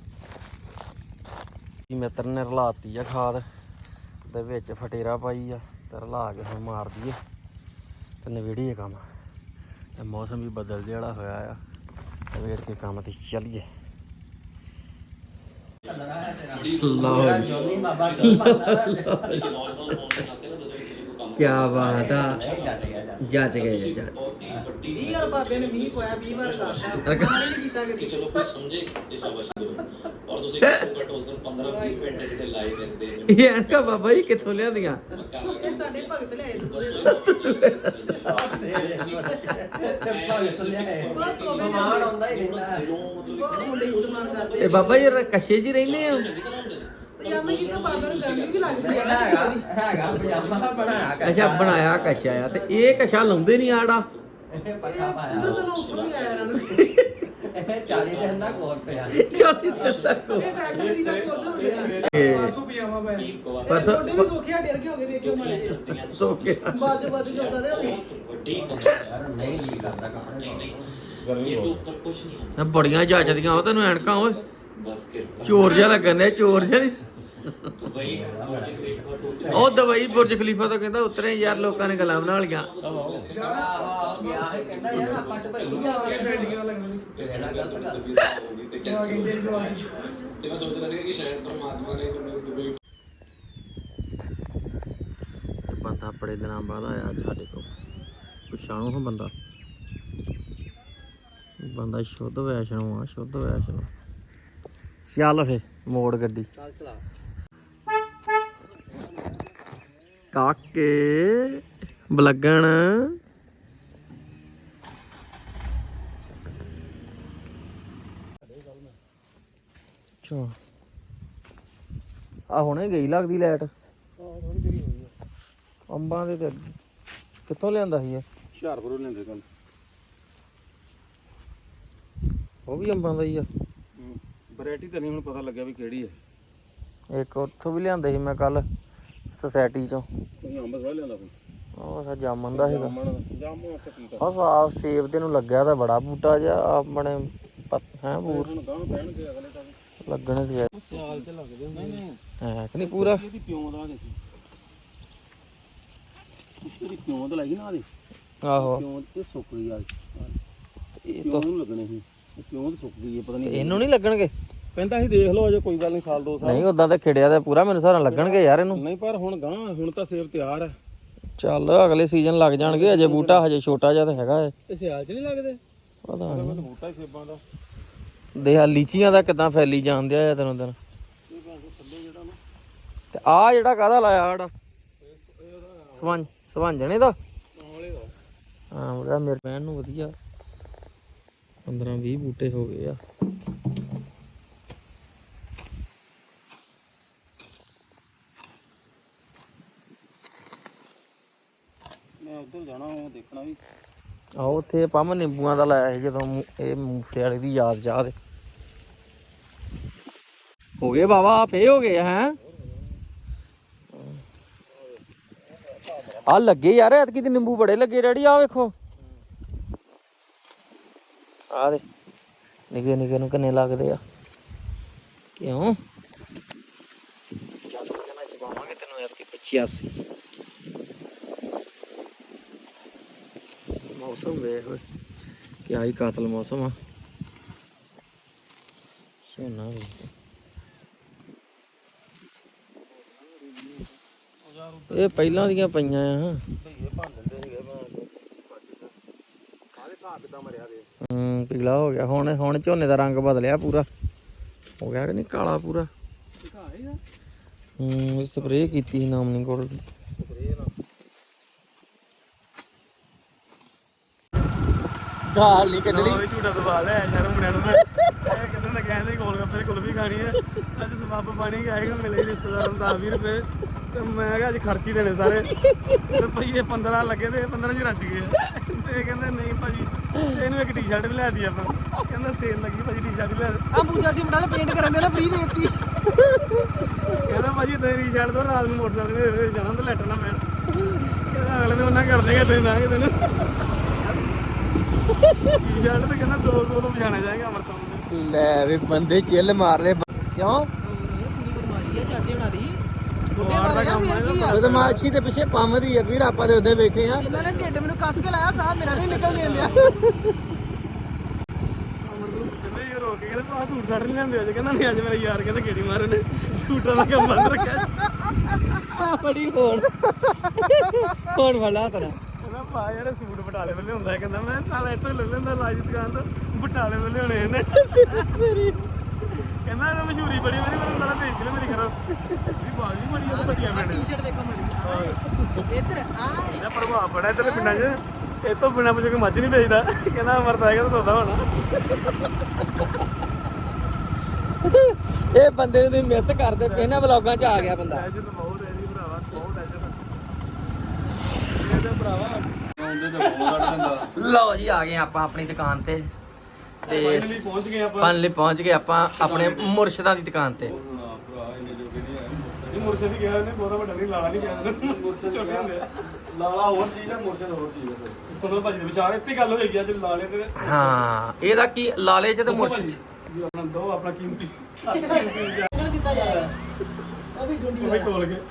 Speaker 1: ਇਹ ਮਿੱਤਰ ਨੇ ਰਲਾਤੀ ਆ ਖਾਦ ਦੇ ਵਿੱਚ ਫਟੇਰਾ ਪਾਈ ਆ ਤੇ ਰਲਾ ਕੇ ਹੁਣ ਮਾਰ ਦਈਏ ਤੇ ਨਵੇੜੀਏ ਕੰਮ ਇਹ ਮੌਸਮ ਵੀ ਬਦਲ ਜਿਹਾ ਵਾਲਾ ਹੋਇਆ ਆ ਨਵੇੜ ਕੇ ਕੰਮ ਤੇ ਚੱਲੀਏ ਲਓ
Speaker 4: जॉनी बाबा
Speaker 1: ਕੀ ਬਾਤ ਆ ਜੱਜ ਗਏ
Speaker 4: ਤੁਸੀਂ
Speaker 1: ਜੱਜ
Speaker 4: ਬਹੁਤ ਹੀ ਵੱਡੀ
Speaker 2: 20 ਵਾਰ ਬਾਬੇ ਨੇ ਮੀਂਹ ਪਾਇਆ 20 ਵਾਰ ਕਰਦਾ ਮਾਂ ਨਹੀਂ ਕੀਤਾ
Speaker 4: ਕਿ
Speaker 2: ਕਦੀ
Speaker 4: ਚਲੋ ਕੋਈ ਸਮਝੇ ਇਹ ਸ਼ਾਬਾਸ਼ ਦਿਓ ਔਰ ਤੁਸੀਂ ਘੱਟੋ ਘੱਟ ਉਸ ਦਿਨ 15-20 ਮਿੰਟ ਕਿਤੇ ਲਾਏ ਦਿੰਦੇ ਨੇ
Speaker 1: ਇਹ ਐਨਕਾਂ ਬਾਬਾ ਜੀ ਕਿੱਥੋਂ ਲਿਆਂਦੀਆਂ
Speaker 4: ਮੈਂ ਕਰ ਲਾਂਗਾ
Speaker 2: ਇਹ ਸਾਡੇ ਭਗਤ ਲਿਆਏ ਤੁਸੀਂ
Speaker 7: ਸਮਾਨ ਆਉਂਦਾ ਹੀ ਰਹਿੰਦਾ
Speaker 2: ਮੁੰਡੇ ਇਸਤੇਮਾਲ ਕਰਦੇ
Speaker 1: ਇਹ ਬਾਬਾ ਜੀ ਕਸ਼ੇ ਜੀ ਰਹਿੰਦੇ ਆ
Speaker 2: ਪਜਾਮੇ ਕੀਤਾ ਬਾਬਾ ਨੂੰ ਗਰਮੀ ਵੀ ਲੱਗਦੀ ਹੈ
Speaker 7: ਹੈਗਾ ਪਜਾਮਾ ਬਣਾਇਆ
Speaker 1: ਅੱਛਾ ਬਣਾਇਆ ਕਸ਼ਾ ਆ ਤੇ ਇਹ ਕਸ਼ਾ ਲਾਉਂਦੇ ਨਹੀਂ ਆੜਾ
Speaker 7: ਪੱਠਾ ਪਾਇਆ
Speaker 2: ਉਧਰ ਤਾਂ ਉੱਪਰੋਂ ਹੀ ਆਇਆ ਇਹਨਾਂ ਨੂੰ
Speaker 7: 40 ਦਿਨ ਦਾ ਕੋਰਸ ਆ
Speaker 1: ਚੱਲ ਤੱਕ
Speaker 2: ਇਹ ਫੈਕਟਰੀ ਦਾ ਕੋਰਸ ਹੋ ਗਿਆ
Speaker 3: ਪਰਸੋਂ ਪਜਾਮਾ ਪਾਇਆ
Speaker 4: ਇੱਕ ਵਾਰ
Speaker 1: ਬਸ
Speaker 2: ਤੁਹਾਡੇ ਵੀ ਸੋਖਿਆ ਡਰ ਕੇ ਹੋ ਗਏ ਦੇਖਿਓ ਮਾਰੇ ਜਿਹੇ
Speaker 1: ਸੋ ਕੇ
Speaker 2: ਬਾਜ ਜਾਂਦਾ ਦੇ ਹੋਗੇ
Speaker 4: ਬਹੁਤ ਵੱਡੀ ਗੱਲ
Speaker 7: ਯਾਰ ਨਹੀਂ ਜੀ ਕਰਦਾ ਕੱਪੜੇ
Speaker 4: ਨਹੀਂ ਨਹੀਂ
Speaker 5: ਗਰਮੀ
Speaker 4: ਇਹ ਤੋਂ
Speaker 5: ਬਹੁਤ
Speaker 4: ਉੱਪਰ ਕੁਝ ਨਹੀਂ ਹੈ
Speaker 1: ਬੜੀਆਂ ਜੱਜਦੀਆਂ ਉਹ ਤੈਨੂੰ ਐਨਕਾਂ ਓਏ
Speaker 4: ਬਸ ਕਿ
Speaker 1: ਚੋਰ ਜਿਹਾ ਲੱਗਣ ਡਿਆ ਚੋਰ ਜਿਹਾ ਨੀ।
Speaker 4: ਦੁਬਈ ਬੁਰਜ ਖਲੀਫਾ ਤੋਂ
Speaker 1: ਉਹ ਦਵਾਈ ਬੁਰਜ ਖਲੀਫਾ ਤੋਂ ਕਹਿੰਦਾ ਉਤਰੇ ਯਾਰ ਲੋਕਾਂ ਨੇ ਗੱਲਾਂ ਬਣਾ ਲੀਆਂ
Speaker 7: ਗਿਆ ਹੈ ਕਹਿੰਦਾ ਯਾਰ ਆਪਾਂ ਢਬਈ ਜਾਵਾਂਗੇ
Speaker 4: ਪਹਿਲਾਂ ਗਲਤ ਗੱਲ ਹੋ ਗਈ ਤੇ ਕੈਂਸਲ ਤੇ ਮੈਂ ਸੋਚ ਰਿਹਾ ਸੀ ਕਿ ਸ਼ਾਇਦ ਪਰਮਾਤਮਾ ਨੇ ਮੈਨੂੰ ਦੁਬਈ
Speaker 1: ਬੰਦਾ ਬੜੇ ਦਿਨਾਂ ਬਾਅਦ ਆਇਆ ਅੱਜ ਸਾਡੇ ਕੋਲ ਪਛਾਣੋ ਹਾਂ ਬੰਦਾ ਸ਼ੁੱਧ ਵੈਸ਼ਨੋ ਆ ਸ਼ੁੱਧ ਵੈਸ਼ਨੋ ਚੱਲ ਫੇ ਮੋੜ ਗੱਡੀ
Speaker 7: ਚੱਲ ਚਲਾ
Speaker 1: ਕਾਕੇ ਬਲਗਣ ਚੋ ਆ ਹੁਣੇ ਗਈ ਲੱਗਦੀ ਲਾਈਟ ਅੰਬਾਂ ਦੇ ਤੇ ਕਿੱਥੋਂ ਲਿਆਂਦਾ ਸੀ ਇਹ
Speaker 5: ਹੁਸ਼ਿਆਰਪੁਰੋਂ ਲੈਂਦੇ ਕੱਲ
Speaker 1: ਉਹ ਵੀ ਅੰਬਾਂ ਦਾ ਹੀ ਆ
Speaker 5: ਵੈਰਾਈਟੀ ਤਾਂ ਨਹੀਂ ਹੁਣ ਪਤਾ ਲੱਗਿਆ ਵੀ ਕਿਹੜੀ ਹੈ
Speaker 1: ਇੱਕ ਉੱਥੋਂ ਵੀ ਲਿਆਂਦੇ ਸੀ ਮੈਂ ਕੱਲ ਸੁਸਾਇਟੀ ਚੋਂ
Speaker 5: ਤੁਸੀਂ ਅੰਬ ਸਵਾ ਲਿਆਂਦਾ ਕੋਈ
Speaker 1: ਉਹ ਸਾ ਜਾਮਨ ਦਾ ਹੈਗਾ
Speaker 5: ਜਾਮੂ ਉੱਥੇ ਕੀ
Speaker 1: ਆ ਸਾਫ ਸੇਬ ਦੇ ਨੂੰ ਲੱਗਿਆ ਤਾਂ ਬੜਾ ਬੂਟਾ ਜਿਹਾ ਆਪਣੇ ਹੈ ਬੂਰ
Speaker 5: ਹੁਣ ਗਾਂ ਪੈਣਗੇ ਅਗਲੇ ਤਾਂ
Speaker 1: ਲੱਗਣੇ ਤੇ
Speaker 5: ਸਿਆਲ ਚ ਲੱਗਦੇ ਹੁੰਦੇ ਨੇ
Speaker 1: ਹੈ ਕਿ ਨਹੀਂ ਪੂਰਾ
Speaker 5: ਇਹਦੀ ਪਿਉਂ ਦਾ ਦੇਖੀ ਇਹਦੀ ਪਿਉਂ ਤਾਂ ਲੱਗੀ ਨਾ ਆਦੀ
Speaker 1: ਆਹੋ
Speaker 5: ਪਿਉਂ ਤੇ ਸੁੱਕ ਗਈ ਯਾਰ
Speaker 1: ਇਹ
Speaker 5: ਪਿਉਂ ਨੂੰ ਲੱਗਣੇ ਸੀ ਇਹ ਪਿਉਂ ਤੇ ਸੁੱਕ ਗਈ ਹੈ ਪਤਾ ਨਹੀਂ
Speaker 1: ਇਹਨੂੰ ਨਹੀਂ ਲੱਗਣਗੇ
Speaker 5: ਕਹਿੰਦਾ ਸੀ ਦੇਖ ਲਓ ਅਜੇ ਕੋਈ ਗੱਲ ਨਹੀਂ ਸਾਲ 2 ਸਾਲ
Speaker 1: ਨਹੀਂ ਉਦਾਂ ਤਾਂ ਖਿੜਿਆ ਤਾਂ ਪੂਰਾ ਮੈਨੂੰ ਸਾਰਾ ਲੱਗਣਗੇ ਯਾਰ ਇਹਨੂੰ
Speaker 5: ਨਹੀਂ ਪਰ ਹੁਣ ਗਾਂ ਹੁਣ ਤਾਂ ਸੇਬ ਤਿਆਰ ਹੈ
Speaker 1: ਚੱਲ ਅਗਲੇ ਸੀਜ਼ਨ ਲੱਗ ਜਾਣਗੇ ਅਜੇ ਬੂਟਾ ਹਜੇ ਛੋਟਾ ਜਿਹਾ ਤਾਂ ਹੈਗਾ ਏ
Speaker 5: ਇਹ ਸਿਆਲ ਚ ਨਹੀਂ ਲੱਗਦੇ
Speaker 1: ਪਤਾ ਨਹੀਂ
Speaker 5: ਬੂਟਾ ਹੀ ਸੇਬਾਂ ਦਾ
Speaker 1: ਦੇਖ ਲੀਚੀਆਂ ਦਾ ਕਿਦਾਂ ਫੈਲੀ ਜਾਂਦੇ ਆ ਦਿਨੋਂ ਦਿਨ ਤੇ ਆ ਜਿਹੜਾ ਕਾਹਦਾ ਲਾਇਆ ਆੜਾ ਸਵੰਜਣੇ ਦਾ ਹਾਂ ਉਹਦਾ ਮੇਰੇ ਭੈਣ ਨੂੰ ਵਧੀਆ 15-20 ਬੂਟੇ ਹੋ ਗਏ ਆ
Speaker 5: ਮੈਂ ਉੱਧਰ ਜਾਣਾ ਉਹ ਦੇਖਣਾ ਵੀ
Speaker 1: ਆਹ ਉੱਥੇ ਪੰਮ ਨਿੰਬੂਆਂ ਦਾ ਲਾਇਆ ਸੀ ਜਦੋਂ ਇਹ ਮੂਸੇ ਵਾਲੇ ਦੀ ਯਾਦ ਚਾਹ ਦੇ ਹੋ ਗਏ ਬਾਬਾ ਫੇ ਹੋ ਗਏ ਹੈ ਆ ਲੱਗੇ ਯਾਰ ਐਤਕੀ ਤੇ ਨਿੰਬੂ ਬੜੇ ਲੱਗੇ ਡੈਡੀ ਆ ਵੇਖੋ ਆ ਦੇ ਨਿੱਕੇ ਨਿੱਕੇ ਨੂੰ ਕਿੰਨੇ ਲੱਗਦੇ ਆ ਕਿਉਂ ਜਦ ਤੱਕ ਨਾ ਚਬਾਵਾਂਗੇ ਤੈਨੂੰ ਐਤਕੀ 85 ਮੌਸਮ ਵੇਖ ਓਏ ਕਿਆ ਹੀ ਕਾਤਲ ਮੌਸਮ ਆ ਸੋਨਾ ਵੀ ਇਹ ਪਹਿਲਾਂ ਦੀਆਂ ਪਈਆਂ ਆ ਪੀਲਾ ਹੋ ਗਿਆ ਹੁਣ ਝੋਨੇ ਦਾ ਰੰਗ ਬਦਲਿਆ ਪੂਰਾ ਹੋ ਗਿਆ ਕਿ ਨਹੀਂ ਕਾਲਾ ਪੂਰਾ ਸਪਰੇਅ ਕੀਤੀ ਸੀ ਨਾਮਨੀ ਕੋਲ ਗਾਲ ਨਹੀਂ ਕੱਢਣੀ
Speaker 3: ਝੂਟਾ ਦਬਾ ਲਿਆ ਸ਼ਰਮ ਮੁੰਡਿਆਂ ਨੂੰ ਇਹ ਕਹਿੰਦੇ ਨੇ ਕਹਿੰਦੇ ਗੋਲ ਗੱਪੇ ਕੁਲਫੀ ਖਾਣੀ ਹੈ ਅੱਜ ਸਬੱਬ ਬਣੀ ਆਏਗਾ ਮਿਲੇ ਰਿਸ਼ਤੇਦਾਰਾਂ ਨੂੰ 10-20 ਰੁਪਏ ਤੇ ਮੈਂ ਕਿਹਾ ਅੱਜ ਖਰਚੀ ਦੇਣੇ ਸਾਰੇ ਤੇ ਰੁਪਈਏ 15 ਲੱਗੇ ਤੇ 15 ਚ ਰਚ ਗਏ ਤੇ ਕਹਿੰਦੇ ਨਹੀਂ ਭਾਜੀ ਇਹਨੂੰ ਇੱਕ ਟੀ-ਸ਼ਰਟ ਵੀ ਲੈ ਦਿੱਤੀ ਆਪਾਂ ਕਹਿੰਦਾ ਸੇਲ ਲੱਗੀ ਭਾਜੀ ਟੀ-ਸ਼ਰਟ ਵੀ ਲੈ
Speaker 2: ਆ ਪੂਜਾ ਸੀ ਮੁੰਡਾ ਨੇ ਪੇਂਟ ਕਰਨ ਦੇ ਨਾ ਫ੍ਰੀ ਦੇ ਦਿੱਤੀ
Speaker 3: ਕਹਿੰਦਾ ਭਾਜੀ ਤੇਰੀ ਟੀ-ਸ਼ਰਟ ਤੋਂ ਰਾਤ ਨੂੰ ਮੋਟਰਸਾਈਕਲ ਤੇ ਜਾਣਾ ਤੇ ਲੈਟਰ ਨਾ ਪੈਣ ਕਹਿੰਦਾ ਅਗਲੇ ਦਿਨ ਉਹਨਾਂ ਕਰ ਦੇਗਾ ਤੁਸੀਂ ਨਾ ਕਿ ਤੈਨੂੰ ਟੀ-ਸ਼ਰਟ ਤੇ ਕਹਿੰਦਾ ਦੋ ਤੋਂ ਪਛਾਣਿਆ ਜਾਏਗਾ ਅਮਰਤੋਂ
Speaker 1: ਲੈ ਵੀ ਬੰਦੇ ਚਿੱਲ ਮਾਰਦੇ ਕਿਉਂ
Speaker 2: ਪੂਰੀ ਬਦਮਾਸ਼ੀ ਆ ਚਾਚੇ ਹੁਣਾਂ ਦੀ ਬੁੱਢੇ ਮਾਰੇ ਆ ਫੇਰ ਕੀ ਆ
Speaker 1: ਬਦਮਾਸ਼ੀ ਤੇ ਪਿੱਛੇ ਪੰਮ ਦੀ ਆ ਵੀਰ ਆਪਾਂ ਦੇ ਉੱਤੇ ਬੈਠੇ ਆ
Speaker 2: ਇਹਨਾਂ ਨੇ ਢਿੱਡ ਮੈਨੂੰ ਕੱਸ ਕੇ ਲਾਇਆ ਸਾਹ ਮੇਰਾ ਨਹੀਂ ਨਿਕਲ ਦੇਂਦਿਆ
Speaker 3: ਸਿੱਧੇ ਹੀ ਰੋਕ ਕੇ ਕਹਿੰਦੇ ਭਾ ਸੂਟ ਸਾਟ ਨਹੀਂ ਲੈਂਦੇ ਅੱਜ ਕਹਿੰਦਾ ਨਹੀਂ ਅੱਜ ਮੇਰੇ ਯਾਰ ਕਹਿੰਦੇ ਗੇੜੀ ਮਾਰਨ ਨੇ ਸੂਟਾਂ ਦਾ ਕੰਮ ਬੰਦ ਰੱਖਿਆ
Speaker 1: ਬੜੀ ਹੋਣ ਵਾਲਾ ਤਰਾ
Speaker 3: ਕਹਿੰਦਾ ਪਾ ਯਾਰ ਸੂਟ ਬਟਾਲੇ ਵੱਲੇ ਹੁੰਦਾ ਕਹਿੰਦਾ ਮੈਂ ਸਾਲਾ ਇੱਥੋਂ ਲੈ ਲੈਂਦਾ ਰਾਜ ਦੀ ਦੁਕਾਨ ਤੋਂ ਬਟਾਲੇ ਵੱਲੇ ਹੋਣੇ ਇਹਨੇ ਕਹਿੰਦਾ ਇਹ ਮਸ਼ਹੂਰੀ ਬੜੀ ਵਾਰੀ ਮੈਨੂੰ ਸਾਲਾ ਭੇਜ ਦੇ ਮੇਰੇ ਘਰੋਂ ਵੀ ਬਾਲ ਵੀ ਬੜੀ ਉਹ ਵਧੀਆ ਪਿੰਡ
Speaker 2: ਟੀ-ਸ਼ਰਟ ਦੇਖੋ ਮੜੀ ਇੱਧਰ ਆ
Speaker 3: ਇਹਦਾ ਪ੍ਰਭਾਵ ਬੜਾ ਇੱਧਰ ਪਿੰਡਾਂ 'ਚ ਇਹ ਤੋਂ ਬਿਨਾਂ ਪੁੱਛੇ ਕੋਈ ਮੱਝ ਨਹੀਂ ਵੇਚਦਾ ਕਹਿੰਦਾ ਮਰਦਾ ਹੈਗਾ ਤਾਂ ਸੌਦਾ ਹੋਣਾ
Speaker 1: ਇਹ ਬੰਦੇ ਨੂੰ ਮਿਸ ਕਰਦੇ ਇਹਨਾਂ ਵਲੌਗਾਂ 'ਚ ਆ ਗਿਆ ਬੰਦਾ।
Speaker 3: ਟੈਸ਼ਨ ਤਾਂ ਬਹੁਤ ਹੈ ਜੀ ਭਰਾਵਾ ਬਹੁਤ ਟੈਸ਼ਨ ਇਹਦਾ ਭਰਾਵਾ ਆਉਂਦੇ ਤਾਂ ਬਹੁਤ ਕੱਢ ਦਿੰਦਾ
Speaker 1: ਲਓ ਜੀ ਆ ਗਏ ਆਪਾਂ ਆਪਣੀ ਦੁਕਾਨ ਤੇ ਤੇ
Speaker 3: ਫਾਈਨਲੀ ਪਹੁੰਚ ਗਏ ਆਪਾਂ
Speaker 1: ਫਾਈਨਲੀ ਪਹੁੰਚ ਗਏ ਆਪਾਂ ਆਪਣੇ ਮੁਰਸ਼ਿਦਾਂ ਦੀ ਦੁਕਾਨ ਤੇ।
Speaker 3: ਭਰਾ ਇੰਨੇ ਜੋਗੇ ਨਹੀਂ ਆਏ ਇਹ ਮੁਰਸ਼ਦ ਹੀ ਗਿਆ ਉਹਨੇ ਬਹੁਤਾ ਵੱਡਾ ਨਹੀਂ ਲਾਲਾ ਨਹੀਂ ਗਿਆ ਮੁਰਸ਼ਦ ਛੋਟੇ ਹੁੰਦੇ ਆ ਲਾਲਾ ਹੋਰ ਚੀਜ਼ ਹੈ ਮੁਰਸ਼ਦ ਹੋਰ ਚੀਜ਼ ਹੈ ਸੁਣੋ ਭਾਜੀ ਦੇ ਵਿਚਾਰ ਇੱਥੇ ਗੱਲ ਹੋਏਗੀ ਅੱਜ ਲਾਲੇ ਤੇ
Speaker 1: ਹਾਂ ਇਹਦਾ ਕੀ ਲਾਲੇ 'ਚ ਤੇ
Speaker 3: ਦੱਸੋ
Speaker 1: ਮੁਰਸ਼ਿਦ
Speaker 3: ਭਾਜੀ, ਵੀ ਆਪਣਾ ਦੋ ਆਪਣਾ ਕੀਮਤੀ
Speaker 2: ਉਹਨਾਂ ਦਿੱਤਾ ਜਾਏਗਾ ਉਹ ਵੀ ਡੁੰਡੀ
Speaker 3: ਉਹ ਤੋਲ ਕੇ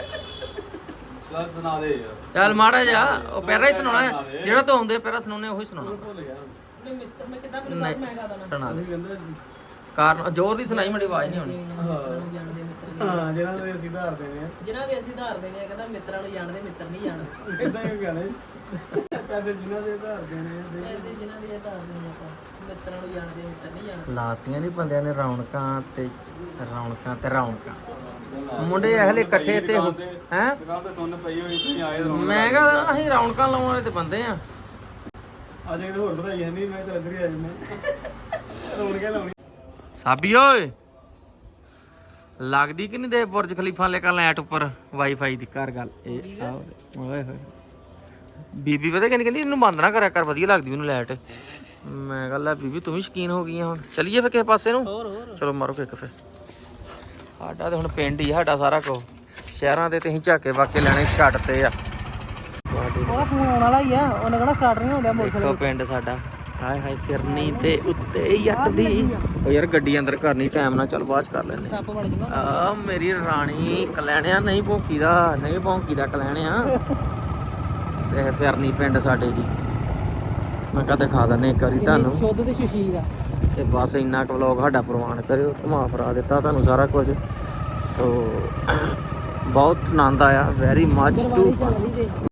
Speaker 3: ਚੱਲ ਸੁਣਾ ਦੇ ਯਾਰ
Speaker 1: ਚੱਲ ਮਾੜਾ ਜਾ ਉਹ ਪਹਿਲਾਂ ਹੀ ਸੁਣਾਉਣਾ ਜਿਹੜਾ ਤੂੰ ਆਉਂਦੇ ਪਹਿਲਾਂ ਸੁਣਾਉਣੇ ਉਹੀ ਸੁਣਾਉਣਾ।
Speaker 3: ਭੁੱਲ ਗਿਆ
Speaker 2: ਨੇ ਮਿੱਤਰ ਮੈਂ ਕਿਦਾਂ ਮੈਨੂੰ ਦੱਸ ਮੈਂ ਗਾਦਾ ਨਾ
Speaker 1: ਸੁਣਾ ਦੇ
Speaker 3: ਕਹਿੰਦਾ
Speaker 1: ਕਾਰਨ ਜ਼ੋਰ ਦੀ ਸੁਣਾਈ ਮੇਰੀ ਆਵਾਜ਼ ਨਹੀਂ ਆਉਣੀ।
Speaker 2: ਜਾਣਦੇ ਮਿੱਤਰ
Speaker 3: ਹਾਂ ਜਿਹਨਾਂ ਦੇ ਅਸੀਂ ਧਾਰਦੇ ਨੇ
Speaker 2: ਜਿਨ੍ਹਾਂ ਦੇ ਅਸੀਂ ਧਾਰਦੇ ਨੇ ਕਹਿੰਦਾ ਮਿੱਤਰਾਂ ਨੂੰ ਜਾਣਦੇ ਮਿੱਤਰ ਨਹੀਂ ਜਾਣਦੇ
Speaker 3: ਇਦਾਂ ਹੀ ਗੱਲ ਹੈ ਪੈਸੇ ਜਿਨ੍ਹਾਂ ਦੇ ਧਾਰਦੇ ਨੇ
Speaker 2: ਐਸੇ ਜਿਨ੍ਹਾਂ ਦੇ ਧਾਰਦੇ ਨੇ ਆਪਾਂ ਮਿੱਤਰਾਂ ਨੂੰ ਜਾਣਦੇ ਮਿੱਤਰ ਨਹੀਂ ਜਾਣਦੇ।
Speaker 1: ਲਾਤੀਆਂ ਨਹੀਂ ਬੰਦਿਆਂ ਨੇ ਰੌਣਕਾਂ ਤੇ ਰੌਣਕਾਂ ਮੁੰਡੇ ਇਹਲੇ ਇਕੱਠੇ ਤੇ ਹੈ
Speaker 3: ਦੁਕਾਨ ਤੇ ਸੁਣ ਪਈ ਹੋਈ ਤੁਸੀਂ ਆਏ ਰੌਣਕ
Speaker 1: ਮੈਂ ਕਿਹਾ ਅਸੀਂ ਰੌਣਕਾਂ ਲਾਉਣ ਵਾਲੇ ਤੇ ਬੰਦੇ ਆ।
Speaker 3: ਅੱਜ ਇਹ ਹੋਰ ਵਧਾਈ ਨਹੀਂ ਮੈਂ ਤਾਂ ਇੱਧਰ ਹੀ ਆ ਜੰਨੇ ਰੌਣਕਾਂ ਲਾਉਣੀ
Speaker 1: ਸਾਬੀ ਓਏ ਲੱਗਦੀ ਕਿ ਨਹੀਂ ਦੇ ਬੁਰਜ ਖਲੀਫਾ ਲੈ ਕੇ ਲੈਟ ਉੱਪਰ ਵਾਈਫਾਈ ਦੀ ਘਰ ਗੱਲ ਇਹ ਆਹ ਓਏ ਹੋਏ ਬੀਬੀ ਪਤਾ ਕਹਿੰਦੀ ਇਹਨੂੰ ਬੰਦ ਨਾ ਕਰਿਆ ਕਰ ਵਧੀਆ ਲੱਗਦੀ ਮੈਨੂੰ ਲਾਈਟ। ਮੈਂ ਕਿਹਾ ਲੈ ਬੀਬੀ ਤੂੰ ਵੀ ਸ਼ਕੀਨ ਹੋ ਗਈ ਆ ਹੁਣ ਚੱਲੀਏ ਫਿਰ ਕਿਸੇ ਪਾਸੇ ਨੂੰ। ਚਲੋ ਮਾਰੋ ਕਿੱਕ ਫਿਰ ਸਾਡਾ ਤੇ ਹੁਣ ਪਿੰਡ ਹੀ ਆ ਸਾਡਾ ਸਾਰਾ ਕੁਝ ਸ਼ਹਿਰਾਂ ਦੇ ਤੇ ਅਸੀਂ ਝਾਕੇ ਵਾਕੇ ਲੈਣੇ ਛੱਡ ਤੇ ਆ।
Speaker 2: ਉਹ ਫੋਨ ਆਉਣ ਵਾਲਾ ਹੀ ਆ ਉਹਨੇ ਕਿਹੜਾ ਸਟਾਰਟ ਨਹੀਂ ਹੁੰਦਾ
Speaker 1: ਦੇਖੋ ਪਿੰਡ ਸਾਡਾ ਹਾਏ ਹਾਏ ਫਿਰਨੀ ਤੇ ਉੱਤੇ ਜੱਟ ਦੀ ਉਹ ਯਾਰ ਗੱਡੀ ਅੰਦਰ ਕਰਨੀ ਟਾਈਮ ਨਾਲ ਚੱਲ ਬਾਅਦ ਚ ਕਰ ਲੈਣੇ
Speaker 2: ਸੱਪ ਬਣ ਜਾਂਦਾ
Speaker 1: ਆ ਮੇਰੀ ਰਾਣੀ ਕਲੈਣਿਆ ਨਹੀਂ ਭੌਂਕੀਦਾ ਕਲੈਣਿਆ ਤੇ ਫਿਰਨੀ ਪਿੰਡ ਸਾਡੇ ਦੀ ਮੈਂ ਕਦੇ ਖਾ ਦਨੇ ਇੱਕ ਵਾਰੀ ਤੁਹਾਨੂੰ
Speaker 2: ਸ਼ੁੱਧ ਤੇ ਸ਼ਸ਼ੀਰ ਆ
Speaker 1: ਤੇ ਬਸ ਇੰਨਾ ਕੁ ਵਲੌਗ ਸਾਡਾ ਪ੍ਰਵਾਨ ਕਰਿਓ ਘੁਮਾ ਫਰਾ ਦਿੱਤਾ ਤੁਹਾਨੂੰ ਸਾਰਾ ਕੁਝ ਸੋ ਬਹੁਤ ਆਨੰਦ ਆਇਆ ਵੈਰੀ ਮੱਚ ਟੂ